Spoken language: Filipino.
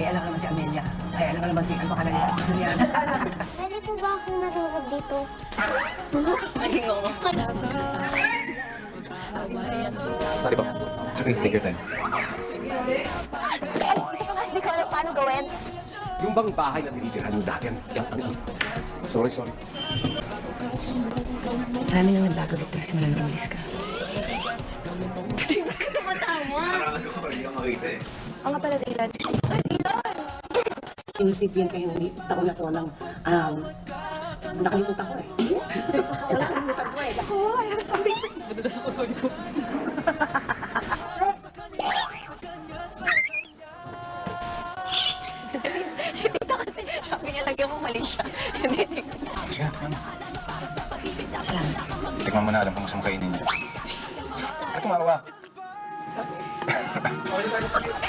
alam ko naman si Amelia. Ay, alam ko naman si, ano pa niya? Juliana. Pwede po ba akong marunod dito? Naging ako. Sorry po. Okay, take your time. Hindi ko alam paano gawin. Yung bang bahay na tinitirahan ng dati, Sorry. Marami nang nagbago, Victor, simula nung umalis ka. Ang nga pala, Dylan. Inisipin kayo ng taon na to ng, nakalimutan ko eh. Nakalimutan ko eh. Oh, I have something for you. Madalas ako, sorry po. Si Tita kasi, sabi niya lagyan mo mali siya. Sige, tikman mo. Salamat. Tikman mo na, alam kung gusto mo kainin niya. Ito, maawa. Sorry.